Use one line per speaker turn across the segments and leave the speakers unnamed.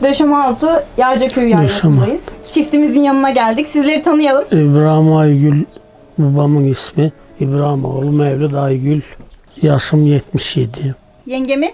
Döşemealtı Yaycaköy yaylasındayız. Çiftimizin yanına geldik. Sizleri tanıyalım.
İbrahim Aygül babamın ismi. İbrahim oğlu Mevlüt Aygül. Yaşım 77.
Yengemi?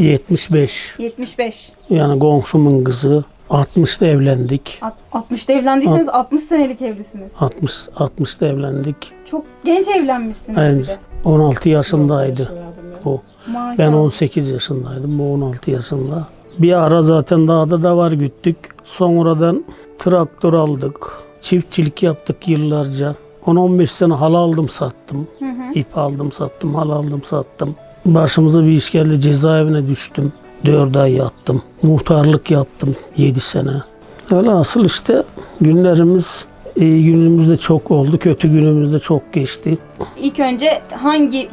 75.
75.
Yani komşumun kızı. 60'da evlendik.
60'ta evlendiyseniz 60 senelik evlisiniz.
60'da evlendik.
Çok genç evlenmişsiniz
Yani
bir de.
16 yaşındaydı bu.
Maşallah.
Ben 18 yaşındaydım. Bu 16 yaşında. Bir ara zaten dağda da var güttük. Sonradan traktör aldık. Çiftçilik yaptık yıllarca. 10-15 sene hal aldım sattım. İp aldım sattım, hal aldım sattım. Başımıza bir iş geldi, cezaevine düştüm. 4 ay yattım. Muhtarlık yaptım 7 sene. Öyle asıl işte günlerimiz iyi günümüz de çok oldu, kötü günümüz de çok geçti.
İlk önce hangi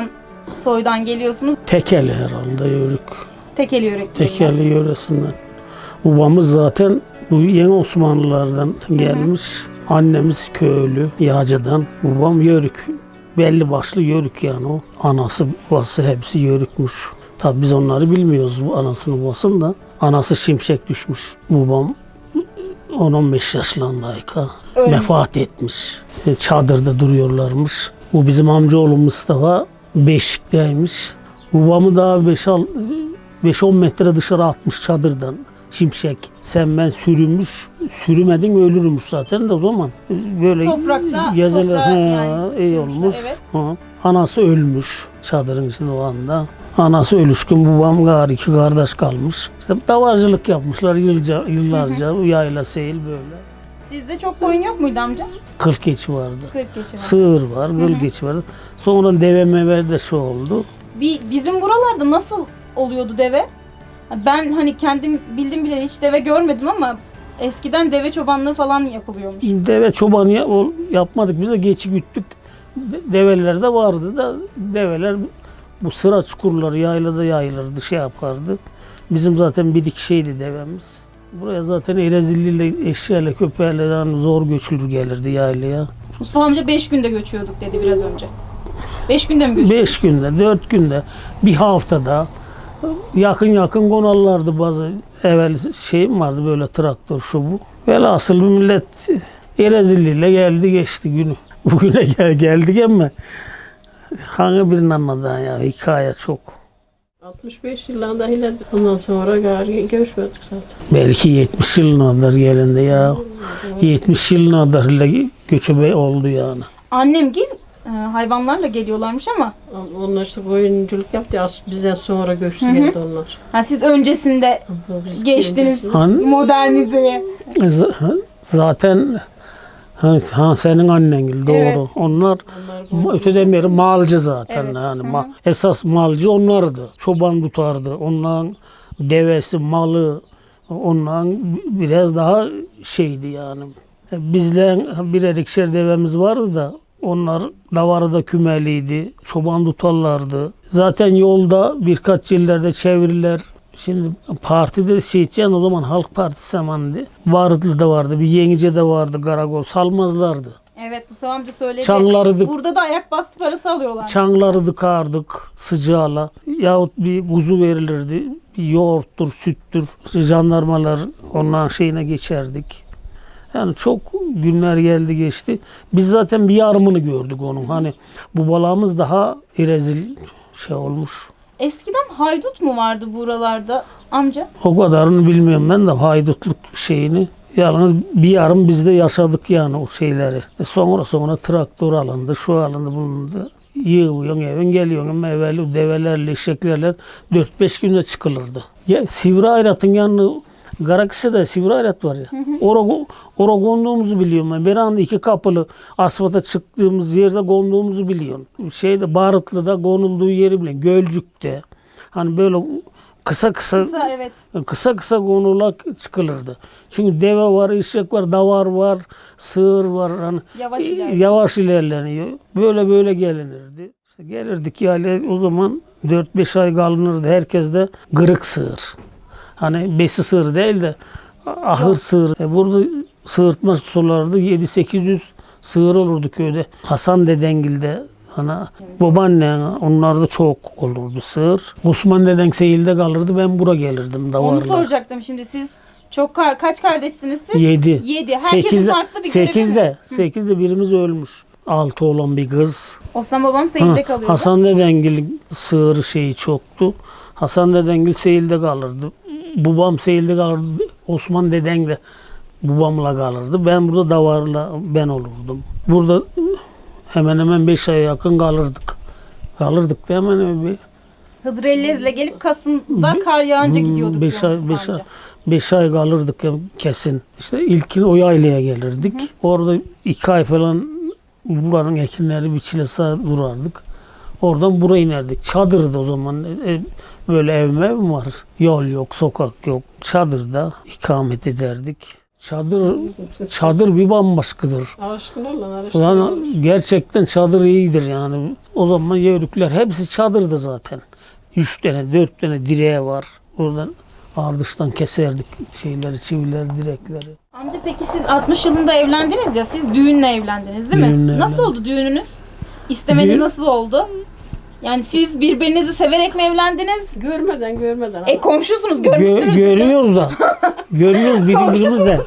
soydan geliyorsunuz?
Tekeli herhalde yörük.
Tekeli yöreklerinden.
Tekeli yöresinden. Babamız zaten bu yeni Osmanlılardan gelmiş. Annemiz köylü, Yağcı'dan. Babam yörük. Belli başlı yörük yani o. Anası, babası hepsi yörükmüş. Tabi biz onları bilmiyoruz bu anasını babasını da. Anası şimşek düşmüş. Babam 10-15 yaşlarındayken vefat etmiş. Çadırda duruyorlarmış. Bu bizim amcaoğlu Mustafa Beşik'teymiş. Babamı daha 5-10 metre dışarı atmış çadırdan. Şimşek. Sen ben sürünmüş, sürümedin ölürmüş zaten de o zaman. Böyle
Toprakta,
gezeler
yani
iyi olmuş.
Evet.
Ha. Anası ölmüş çadırın içinde o anda. Anası ölüşkün, babam gari 2 kardeş kalmış. İşte davarcılık yapmışlar yıllarca. Yayla seyil böyle.
Sizde çok koyun yok muydu amca?
Kıl keçi vardı.
40 geçi var.
Sığır var, kıl keçi vardı. Sonra deve meve de şu oldu.
Bizim buralarda nasıl oluyordu deve? Ben hani kendim bildim bile hiç deve görmedim ama eskiden deve çobanlığı falan yapılıyormuş.
Deve çobanı yapmadık. Biz de geçi güttük. Develer de vardı da develer bu sıra çukurları yaylada yayılırdı, şey yapardı. Bizim zaten bir iki şeydi devemiz. Buraya zaten Elazığlı'yla, eşeğiyle, köpeğiyle yani zor göçülür gelirdi yaylaya.
Mustafa amca 5 günde göçüyorduk dedi biraz önce. 5 günde mi göçüyorduk?
5 günde, 4 günde, bir haftada yakın konarlardı bazı evvel şeyim vardı böyle traktör şu bu. Velhasıl bir millet Elazığlı'yla geldi geçti günü. Bugüne geldik ama hangi birini anladın ya hikaye çok.
65 yılında yine ondan sonra gari görüşmedik zaten.
Belki 70 yılına kadar gelindi ya. 70 yılına kadar göçebe oldu yani.
Annemgil hayvanlarla geliyorlarmış ama
Onlar işte koyunculuk yaptı ya bizden sonra göçtü geldi onlar.
siz öncesinde
Biz
geçtiniz
öncesinde-
modernizeye.
Zaten senin annen gibi doğru.
Evet.
Onlar öteden beri malcı zaten
Evet.
yani esas malcı onlardı. Çoban tutardı. Onların devesi, malı onların biraz daha şeydi yani. Bizle birer ikişer devemiz vardı da onlar davarda kümeliydi. Çoban tutarlardı. Zaten yolda birkaç yerlerde çeviriler. Şimdi partide seçen o zaman Halk Partisi zamanıydı. Varlı'da vardı, bir Yenice'de vardı, Karakol. Salmazlardı.
Evet Mustafa amca söyledi.
Çanlardı.
Burada da ayak bastı parası alıyorlar.
Çanları dıkardık sıcağla. Yahut bir kuzu verilirdi. Bir yoğurttur, süttür. Jandarmalar onların şeyine geçerdik. Yani çok günler geldi geçti. Biz zaten bir yarımını gördük onun. Hani bu balağımız daha rezil şey olmuş.
Eskiden haydut mu vardı buralarda amca?
O kadarını bilmiyorum ben de haydutluk şeyini. Yalnız bir yarım biz de yaşadık yani o şeyleri. Sonra traktör alındı, şu alındı, bulundu. Yığıyorsun evin geliyorsun ama evvel develerle, eşeklerle 4-5 günde çıkılırdı. Ya Sivri Ayrat'ın yanına Garakis'te Sivri Ayrat var ya. Orada konduğumuzu biliyorum ben. Bir anda 2 kapılı asfalta çıktığımız yerde konduğumuzu biliyorum. Barıtlı'da konulduğu yeri biliyorum. Gölcük'te. Hani böyle kısa
Evet.
kısa konulak çıkılırdı. Çünkü deve var, eşek var, davar var, sığır var. Hani yavaş ilerleniyor. Böyle gelinirdi. İşte gelirdik yani o zaman 4-5 ay kalınırdı. Herkes de kırık sığır. Hani besi sığır değil de ahır sığır. Burada sığırtma tutarlardı. 700-800 sığır olurdu köyde. Hasan Dedengil'de babaanne onlar da çok olurdu sığır. Osman deden seyilde kalırdı. Ben bura gelirdim davarla.
Onu soracaktım şimdi. Siz Çok kaç kardeşsiniz siz?
7.
7. Herkesin farklı bir görevi mi?
8'de birimiz ölmüş. 6 olan bir kız.
Osman babam Seyil'de kalıyordu.
Hasan dedengil sığır şeyi çoktu. Hasan dedengil Seyil'de kalırdı. Babam Seyil'de kalırdı. Osman deden de babamla kalırdı. Ben burada davarla ben olurdum. Burada hemen hemen 5 aya yakın kalırdık. Kalırdık da hemen bir
Hıdır Ellez'le gelip Kasım'da kar yağınca gidiyorduk.
5 ay kalırdık ya kesin. İşte ilkin o yaylaya gelirdik. Orada 2 ay falan buranın ekinleri biçilese durardık. Oradan buraya inerdik. Çadırdı o zaman. Böyle ev mi var? Yol yok, sokak yok. Çadırda ikamet ederdik. Çadır bir bambaşkadır.
Aşkın olan
Yani gerçekten çadır iyidir yani. O zaman yörükler hepsi çadırdı zaten. 3 tane 4 tane direğe var. Oradan ardıştan keserdik şeyleri, çivileri, direkleri.
Amca peki siz 60 yılında evlendiniz ya, siz düğünle evlendiniz değil mi?
Düğünle
Nasıl
evlendim.
oldu düğününüz? İstemeniz
Düğün-
nasıl oldu? Yani siz birbirinizi severek mi evlendiniz?
Görmeden.
Komşusunuz, görmüşsünüz.
Görüyoruz da. Görüyoruz birbirimizi de.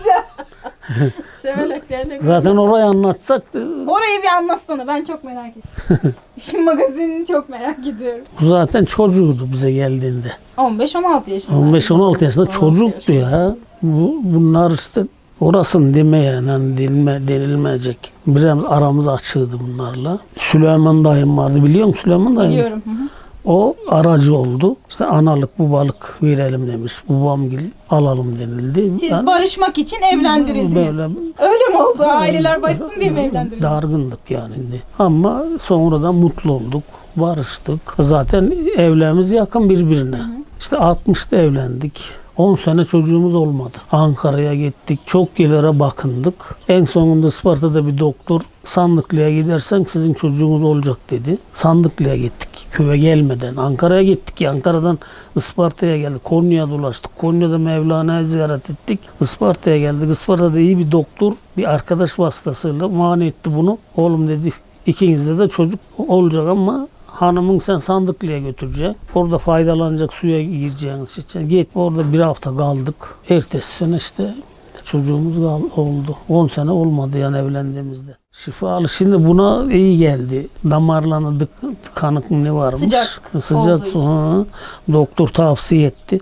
Severeklerine
Zaten orayı anlatsak
Orayı bir anlatsana, ben çok merak ettim. İşin magazinini çok merak ediyorum.
bu zaten çocuğuydu bize geldiğinde.
15-16 yaşında.
15-16 yaşında
16
çocuktu ya. Bunlar işte orasını deme yani hani denilmeyecek. Biraz aramız açığdı bunlarla. Süleyman dayım vardı, biliyor musun Süleyman dayım?
Biliyorum. Hı hı.
O aracı oldu. İşte analık babalık verelim demiş. Babamgil alalım denildi.
Siz barışmak için evlendirildiniz.
Böyle
Öyle mi oldu? Aileler barışsın diye mi evlendirildiniz?
dargındık yani. Ama sonradan mutlu olduk. Barıştık. Zaten evlerimiz yakın birbirine. İşte 60'ta evlendik. 10 sene çocuğumuz olmadı. Ankara'ya gittik. Çok yerlere bakındık. En sonunda Isparta'da bir doktor Sandıklı'ya gidersen sizin çocuğunuz olacak dedi. Sandıklı'ya gittik. Köye gelmeden. Ankara'ya gittik. Ankara'dan Isparta'ya geldik. Konya'ya dolaştık. Konya'da Mevlana'yı ziyaret ettik. Isparta'ya geldik. Isparta'da iyi bir doktor bir arkadaş vasıtasıyla mani etti bunu. Oğlum dedi, ikinizde de çocuk olacak ama hanımın sen Sandıklı'ya götüreceksin. Orada faydalanacak, suya gireceğiniz için. Git orada bir hafta kaldık. Ertesi sene işte çocuğumuz oldu. 10 sene olmadı yani evlendiğimizde. Şifalı şimdi buna iyi geldi. Damarlarına tıkanık ne varmış? Sıcak
olduğu
su.
için.
Hı. Doktor tavsiye etti.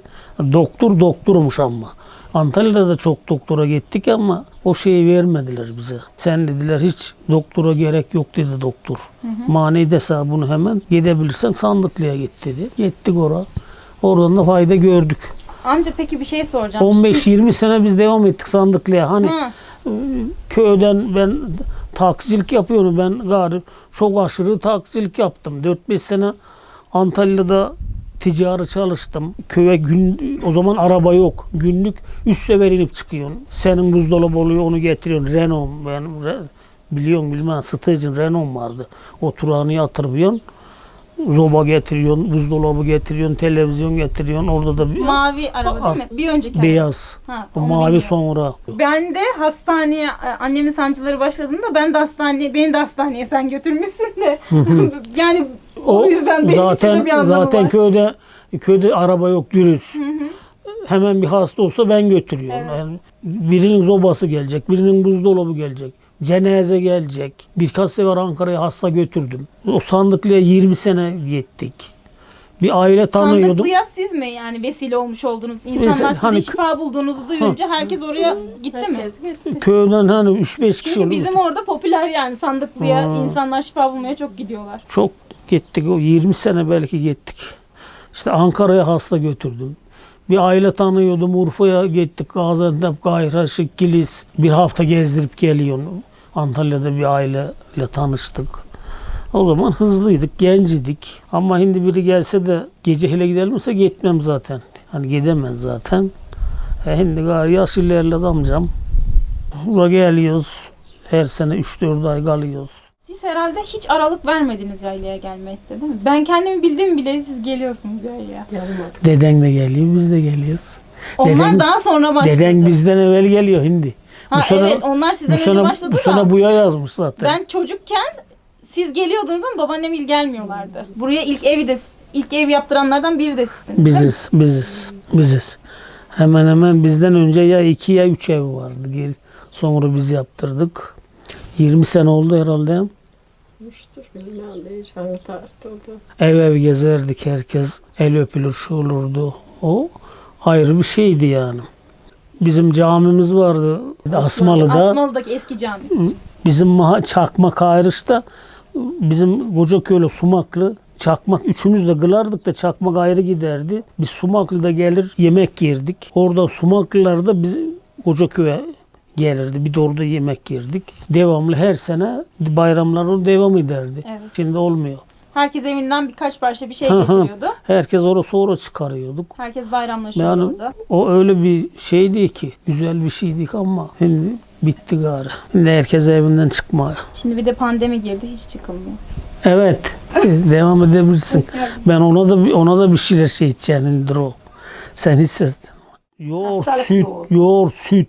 Doktormuş ama. Antalya'da da çok doktora gittik ama o şeyi vermediler bize. Sen dediler hiç doktora gerek yok dedi doktor. Mani dese bunu hemen gidebilirsen Sandıklı'ya git dedi. Gittik oraya. Oradan da fayda gördük.
Amca peki bir şey soracağım.
15-20 sene biz devam ettik Sandıklı'ya. Hani
Hı.
köyden ben taksicilik yapıyorum. Ben gari çok aşırı taksicilik yaptım. 4-5 sene Antalya'da ticari çalıştım. Köye o zaman araba yok. Günlük 3 sefer inip çıkıyorsun. Senin buzdolabı oluyor, onu getiriyorsun. Renault, biliyorum bilmem, Staj'ın Renault vardı. Oturağını yatırıyorsun. Zoba getiriyorsun, buzdolabı getiriyorsun, televizyon getiriyorsun. Orada da bir
Mavi araba değil mi? Bir önceki araba.
beyaz.
Ha,
O
onu
mavi
bilmiyorum.
sonra.
Ben de hastaneye, annemin sancıları başladığında beni de hastaneye sen götürmüşsün de. Yani o yüzden benim için de bir anlamı
zaten
var.
köyde araba yok dürüst. Hemen bir hasta olsa ben götürüyorum.
Evet.
Yani birinin zobası gelecek, birinin buzdolabı gelecek. Cenaze gelecek. Birkaç sefer Ankara'ya hasta götürdüm. O Sandıklı'ya 20 sene gittik. Bir aile tanıyordum.
Sandıklı'ya siz mi yani vesile olmuş oldunuz? İnsanlar sizin
hani-
şifa bulduğunuzu duyunca herkes oraya gitti mi?
Herkes gitti.
Köyden hani 3-5 kişi
Çünkü
oldu.
bizim orada popüler yani Sandıklı'ya insanlar şifa bulmaya çok gidiyorlar.
Çok gittik. O 20 sene belki gittik. İşte Ankara'ya hasta götürdüm. Bir aile tanıyordum. Urfa'ya gittik. Gaziantep, Gayraşık, Kilis. Bir hafta gezdirip geliyorum. Antalya'da bir aileyle tanıştık. O zaman hızlıydık, gencidik. Ama şimdi biri gelse de gece hele gidelimse gitmem zaten. Hani gidemem zaten. Şimdi gari yaş ilerledi amcam. Buraya geliyoruz. Her sene 3-4 ay kalıyoruz.
Siz herhalde hiç aralık vermediniz yaylaya gelmekte değil mi? Ben kendimi bildiğim bile siz geliyorsunuz yaylaya.
Yanıma.
Deden de geliyor, biz de geliyoruz.
Onlar
Deden-
daha sonra başladı.
Deden bizden evvel geliyor hindi.
Ha, evet onlar sizden önce başladı
bu
da.
sene buya yazmış zaten.
Ben çocukken siz geliyordunuz ama babaannem il gelmiyorlardı. Buraya ilk ev yaptıranlardan biri de sizsiniz. değil mi?
Biziz. Hemen hemen bizden önce ya 2 ya 3 ev vardı. Sonra biz yaptırdık. 20 sene oldu herhalde.
Müştür bilmem de hiç hangi tarihte oldu.
Ev ev gezerdik, herkes el öpülür, şu olurdu. O ayrı bir şeydi yani. Bizim camimiz vardı Asmalı'da.
Asmalı'daki eski cami.
Bizim Çakmak ayrışta, bizim Kocaköy'le Sumaklı Çakmak üçümüz de kılardık da Çakmak ayrı giderdi. Biz Sumaklı'da gelir yemek yerdik. Orada Sumaklılar da biz Kocaköy'e gelirdi. Bir de orada yemek yerdik. Devamlı her sene bayramlar o devam ederdi.
Evet.
Şimdi olmuyor.
Herkes evinden birkaç parça bir şey
Hı hı.
getiriyordu.
Herkes sonra çıkarıyorduk.
Herkes bayramlaşıyordu
Yani
orada.
o öyle bir şeydi ki, güzel bir şeydi ama şimdi bitti gari. Şimdi herkes evinden çıkmıyor.
Şimdi bir de pandemi girdi, hiç çıkılmıyor.
Evet, devam edebilirsin. Ben ona da bir şeyler şey içeceğindir o. Sen hissettin. Yoğurt, süt, yoğurt, süt.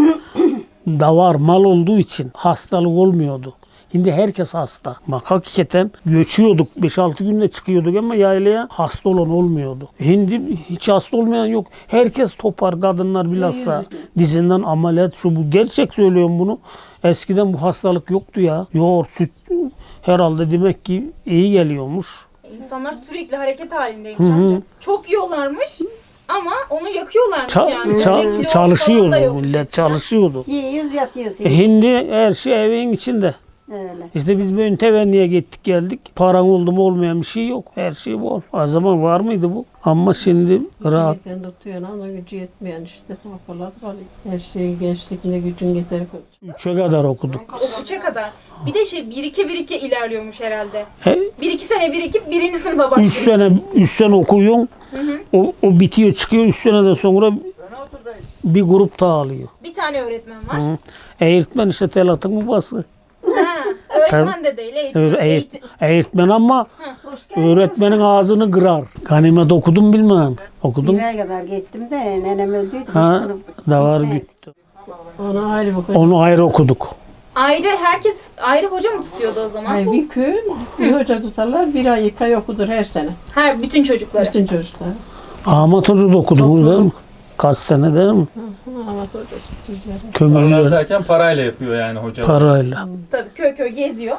Davar, mal olduğu için hastalık olmuyordu. Şimdi herkes hasta. Bak hakikaten göçüyorduk. 5-6 günde çıkıyorduk ama yaylaya hasta olan olmuyordu. Şimdi hiç hasta olmayan yok. Herkes topar, kadınlar bilhassa dizinden ameliyat şu bu. Gerçek söylüyorum bunu. Eskiden bu hastalık yoktu ya. Yoğurt, süt herhalde demek ki iyi geliyormuş.
İnsanlar sürekli hareket halindeymiş amca. Çok yiyorlarmış ama onu yakıyorlarmış yani. Böyle kilo falan da
Çalışıyordu
yok
millet,
eskiden.
çalışıyordu.
Yiyoruz yatıyoruz.
Şimdi her şey evin içinde.
Öyle.
İşte biz böyle tevenniye gittik geldik. Paran oldu mu olmayan bir şey yok. Her şey bol. O zaman var mıydı bu? Ama şimdi rahat.
Yeten tutuyor ama gücü yetmeyen işte kafalar var. Her şeyi gençlikle gücün yeter.
3'e kadar okuduk.
O 3'e kadar. Bir de şey birike ilerliyormuş herhalde. 1-2 sene birikip birinci sınıfa
3
başlıyor.
sene 3 sene okuyorsun. O bitiyor çıkıyor. 3 seneden sonra bir grup daha alıyor.
Bir tane öğretmen var.
Eğitmen işte Telat'ın babası.
Ha, öğretmen de değil,
Eğitmen ama öğretmenin ağzını kırar. Ganimet okudum bilmem. Okudum.
1 ay kadar gittim de nenem öldüydü.
Ha, da var gitti.
Ona ayrı bakın.
Onu ayrı okuduk.
Ayrı, herkes ayrı hoca mı tutuyordu o zaman?
Hayır, bir köy bir hoca tutarlar. 1 ay 2 ay okudur her sene.
Her bütün çocukları.
Bütün çocuklar.
Ahmet Hoca da okudunuz değil mi? Kaç sene değil mi?
Ama hoca tutuyor.
Kömürcüler
Onlar derken parayla yapıyor yani hoca.
parayla.
Tabii köy köy geziyor.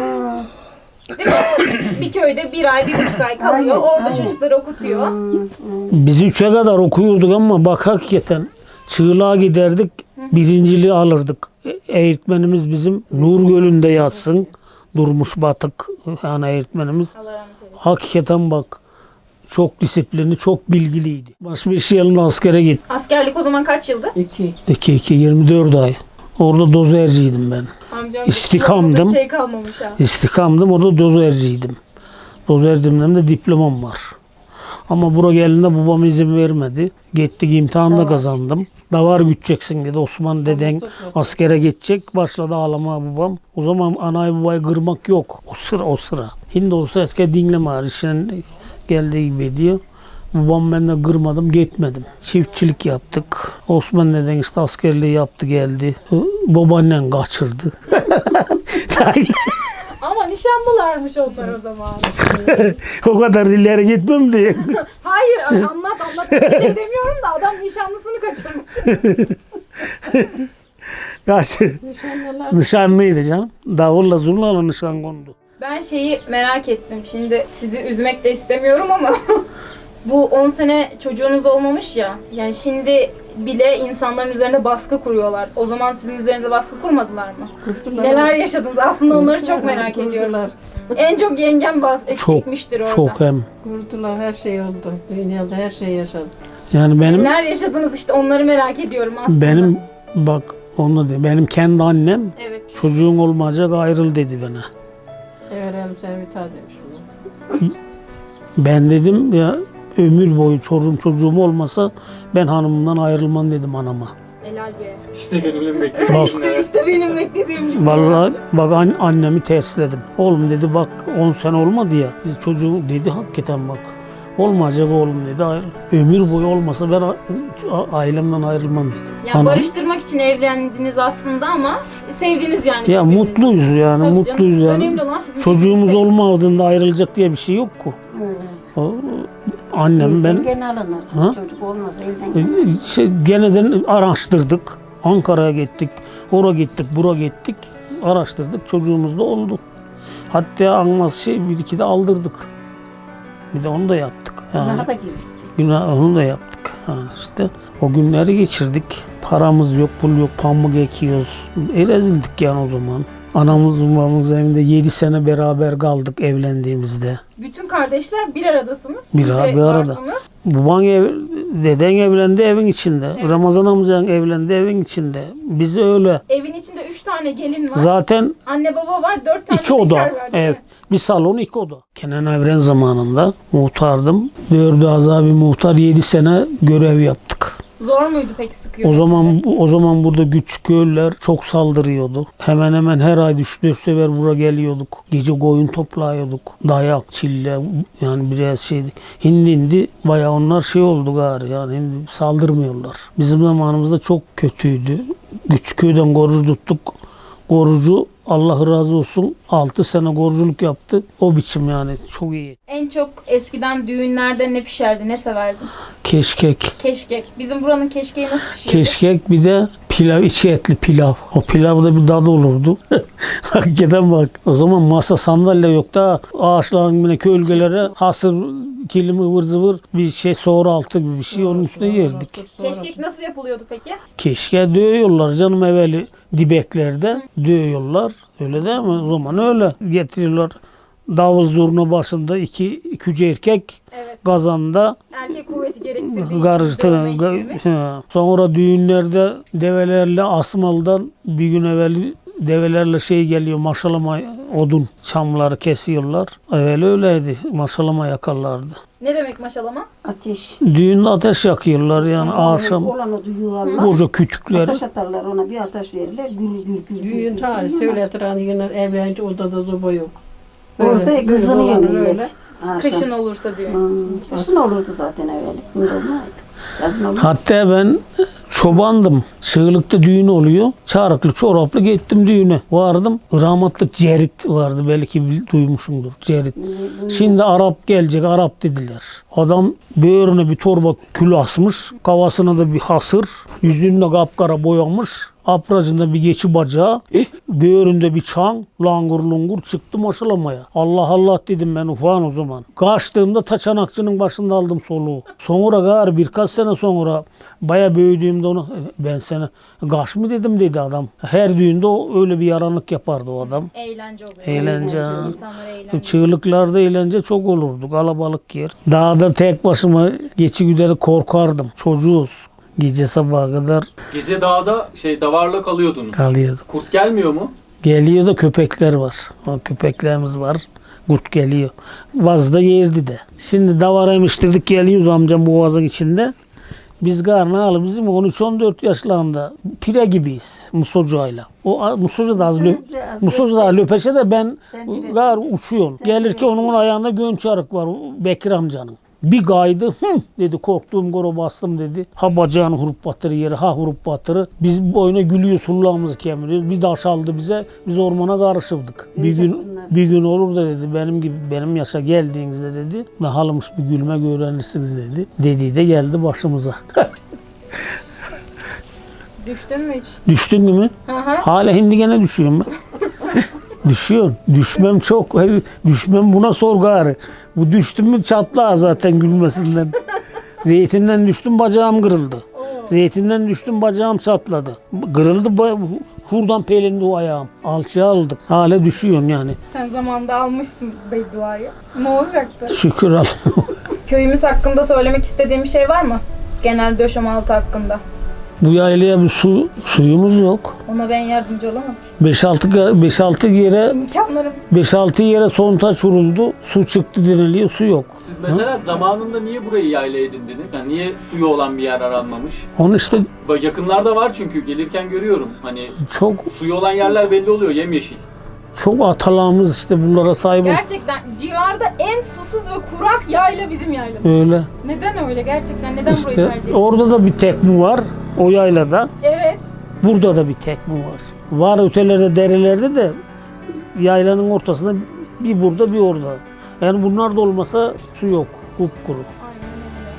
Değil mi? Bir köyde 1 ay, 1,5 ay kalıyor. Orada çocukları okutuyor.
Biz 3'e kadar okuyorduk ama bak hakikaten çığlığa giderdik, birinciliği alırdık. Eğitmenimiz bizim Nur Gölü'nde yatsın. Durmuş Batık yani eğitmenimiz.
Allah rahmet eylesin.
Hakikaten bak çok disiplinli, çok bilgiliydi. Başbeş yılında askere gittim.
Askerlik o zaman kaç yıldı?
2.
24 ay. Orada dozerciydim ben.
Amcam
İstikamdım.
şey kalmamış ha.
İstikamdım, orada dozerciydim. Dozercimden de diplomam var. Ama buraya geldiğinde babam izin vermedi. Gittik imtihanla kazandım. Davar güteceksin dedi. Osman deden askere gidecek. Başladı ağlamaya babam. O zaman anayı babayı kırmak yok. O sıra. Şimdi olsa eski dinleme işinin geldiği gibi diyor. Babam ben de kırmadım, gitmedim. Çiftçilik yaptık. Osman deden işte askerliği yaptı geldi. Babaannen kaçırdı.
Ama nişanlılarmış onlar o zaman.
O kadar ileri gitmem diye.
Hayır anlat. Bir şey demiyorum da adam nişanlısını kaçırmış.
Nişanlılar.
Nişanlıydı canım. Davulla zurnayla nişan kondu.
Ben şeyi merak ettim. Şimdi sizi üzmek de istemiyorum ama bu 10 sene çocuğunuz olmamış ya. Yani şimdi bile insanların üzerine baskı kuruyorlar. O zaman sizin üzerinize baskı kurmadılar mı?
Kurdular.
Neler yaşadınız? Aslında onları çok merak ediyorum.
Kurdular.
En çok yengem çekmiştir orada.
Çok hem.
Kurdular, her şey oldu. Dünyada her şey yaşadı.
Yani
Neler yaşadınız işte onları merak ediyorum aslında.
benim bak onu de benim kendi annem
Evet.
çocuğun olmayacak ayrıl dedi bana.
Verelim sen bir tane demiş ona.
Ben dedim ya ömür boyu çocuğum olmasa ben hanımımdan ayrılmam dedim anama.
Helal be.
İşte gönülün beklediği.
Bak
İşte benim beklediğim gibi.
vallahi bak annemi tersledim. Oğlum dedi bak 10 sene olmadı ya. Biz çocuğu dedi hakikaten bak. Olmayacak oğlum dedi ayrıl. Ömür boyu olmasa ben ailemden ayrılmam dedim.
Yani
Anam-
barıştırmak için evlendiniz aslında ama sevdiniz yani.
Ya
birbirinizi.
mutluyuz yani
Tabii canım.
mutluyuz yani.
Önemli olan sizin
Çocuğumuz
birbirinizi
olmadığında ayrılacak diye bir şey yok ki.
Öyle.
O, Annem ben
Gene alınırdı.
Ha?
Çocuk olmasa elden.
geneden araştırdık. Ankara'ya gittik. Oraya gittik, buraya gittik. Araştırdık. Çocuğumuz da oldu. Hatta almaz bir iki de aldırdık. Bir de onu da yaptık. Yani,
Günaha da girdik.
onu da yaptık. Yani işte o günleri geçirdik. Paramız yok, pul yok, pamuk ekiyoruz. Rezildik yani o zaman. Anamız babamız evinde 7 sene beraber kaldık evlendiğimizde.
Bütün kardeşler bir aradasınız.
Bir
Siz de
arada.
varsınız.
Baban deden evlendi evin içinde.
Evet.
Ramazan amcan evlendi evin içinde. Biz öyle.
Evin içinde 3 tane gelin var.
Zaten
Anne baba var, 4 tane
2 oda.
bekar var, değil
Ev.
mi?
Bir salon 2 oda. Kenan Evren zamanında muhtardım. Dördü azabi muhtar 7 sene görev yaptık.
Zor muydu peki sıkıyor?
O zaman burada küçük köylüler çok saldırıyordu. Hemen hemen her ay 3-4 sefer buraya geliyorduk. Gece koyun toplayıyorduk. Dayak, çille yani biraz şeydi. Hindi bayağı onlar şey oldu gari yani şimdi saldırmıyorlar. Bizim zamanımızda çok kötüydü. Küçük köyden korucu tuttuk. Korucu Allah razı olsun 6 sene koruculuk yaptı. O biçim yani çok iyi.
En çok eskiden düğünlerde ne pişerdi, ne severdin?
Keşkek.
Keşkek. Bizim buranın keşkeği nasıl pişiyordu?
Keşkek bir de pilav, içi etli pilav. O pilavda bir tadı olurdu. Hakikaten bak. O zaman masa sandalye yok da ağaçların yine gölgelere hasır kilim ıvır zıvır bir şey soğur altı gibi bir şey onun üstüne yerdik.
Keşkek nasıl yapılıyordu peki?
Keşke dövüyorlar canım evveli dibeklerde dövüyorlar. Öyle değil mi? O zaman öyle getiriyorlar. Davul zurna başında iki erkek
Evet.
kazanda
Erkek kuvveti gerektirdiği için
karıştırın.
dövme işlemi.
Sonra düğünlerde develerle asmaldan bir gün evvel develerle şey geliyor maşalama odun çamları kesiyorlar. Evvel öyleydi. Maşalama yakarlardı.
Ne demek maşalama?
Ateş.
Düğünde ateş yakıyorlar yani akşam
Olan o duyuyorlar.
koca kütükler.
Ateş atarlar ona bir ateş verirler. Gül gül gül.
Düğün tarihi söyletir hani yine evlenince odada zoba yok.
Orada
Öyle,
kızınıyor
öyle.
millet. Akşam.
Kışın olursa düğün.
Kışın olurdu zaten evvel. Şimdi olmaydı. Yazın olmaz.
Hatta ben çobandım. Çığlıkta düğün oluyor. Çarıklı çoraplı gittim düğüne. Vardım. Rahmetlik Cerit vardı. Belki duymuşsundur. Cerit. Şimdi Arap gelecek. Arap dediler. Adam böğrüne bir torba kül asmış. Kafasına da bir hasır. Yüzünde kapkara boyamış. Apracında bir geçi bacağı. Böğründe bir çan. Langur lungur çıktı maşalamaya. Allah Allah dedim ben ufağın o zaman. Kaçtığımda taçanakçının başında aldım soluğu. Sonra gari birkaç sene sonra baya büyüdüğümde onu ben sana kaç mı dedim dedi adam. Her düğünde o öyle bir yaranlık yapardı o adam.
Eğlence oluyor.
Eğlence.
İnsanlar eğlence.
Çığlıklarda eğlence çok olurdu. Kalabalık yer. Dağda tek başıma geçi güderi korkardım. Çocuğuz. Gece sabaha kadar
Gece dağda davarla kalıyordunuz.
kalıyorduk.
Kurt gelmiyor mu?
Geliyor da köpekler var. O köpeklerimiz var. Kurt geliyor. Vazda yerdi de. Şimdi davara emiştirdik geliyoruz amcam bu vazın içinde. Biz garnalı bizim 13-14 yaşlarında pire gibiyiz Musocu'yla. O Musocu da Musocu da löpeşe de ben gar uçuyorum. Gelirken onun ayağında gönçarık var Bekir amcanın. Bir kaydı dedi korktuğum goro bastım dedi. Ha bacağını hurup batırı yeri ha hurup batırı. Biz boyuna gülüyoruz hullağımızı kemiriyoruz. Bir daş aldı bize biz ormana karışırdık. Bir gün olur da dedi benim gibi benim yaşa geldiğinizde dedi. Ne halmış bir gülmek öğrenirsiniz dedi. Dediği de geldi başımıza.
Düştün mü hiç?
Düştün mü?
Hı hı.
Hala hindi gene düşüyorum ben. Düşüyorsun. Düşmem çok. Düşmem buna sor gari. Bu düştüm mü çatla zaten gülmesinden. Zeytinden düştüm bacağım kırıldı. Zeytinden düştüm bacağım çatladı. Kırıldı hurdan pelindi o ayağım. Alçıya aldık. Hala düşüyorsun yani.
Sen zamanında almışsın bedduayı. Ne olacaktı?
Şükür al.
Köyümüz hakkında söylemek istediğim bir şey var mı? Genel döşemaltı hakkında.
Bu yaylaya bir suyumuz yok.
Ona ben yardımcı olamam ki.
5-6 yere
İmkanlarım.
5-6 yere sontaç vuruldu. Su çıktı deniliyor. Su yok.
Siz mesela zamanında niye burayı yayla edindiniz? Yani niye suyu olan bir yer aranmamış?
Onu işte
Yakınlarda var çünkü gelirken görüyorum. Hani
çok
suyu olan yerler belli oluyor yemyeşil.
çok atalarımız işte bunlara sahip
Gerçekten civarda en susuz ve kurak yayla bizim yaylamız.
öyle.
Neden öyle gerçekten? Neden burayı
İşte
tercih ettin?
orada da bir tekmu var o yaylada.
Evet.
Burada da bir tekmu var. Var ötelerde derelerde de yaylanın ortasında bir burada bir orada. Yani bunlar da olmasa su yok. Kupkuru.
Aynen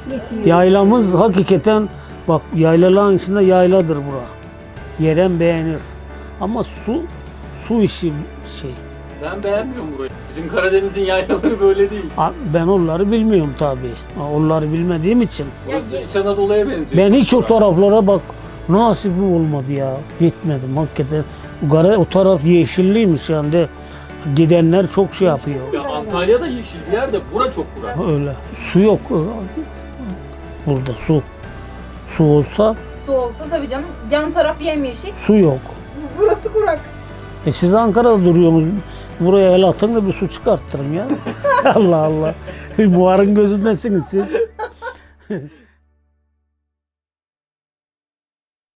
Yaylamız hakikaten bak yaylaların içinde yayladır bura. Yeren beğenir. Ama su işi şey.
Ben beğenmiyorum burayı. Bizim Karadeniz'in yaylaları böyle değil.
Ben onları bilmiyorum tabii. Onları bilmediğim için.
Burası İç Anadolu'ya benziyor.
Ben hiç o taraflara bak nasibim olmadı ya. Gitmedim hakikaten. O taraf yeşilliymiş yani de gidenler çok şey yapıyor.
Ya Antalya'da yeşil bir yer de bura çok kurak.
Öyle. Su yok burada su. Su olsa
Su olsa tabii canım. Yan taraf yemyeşil.
su yok.
Burası kurak.
Siz Ankara'da duruyorsunuz. Buraya el atın da bir su çıkarttırın ya. Allah Allah. Buharın gözündesiniz siz.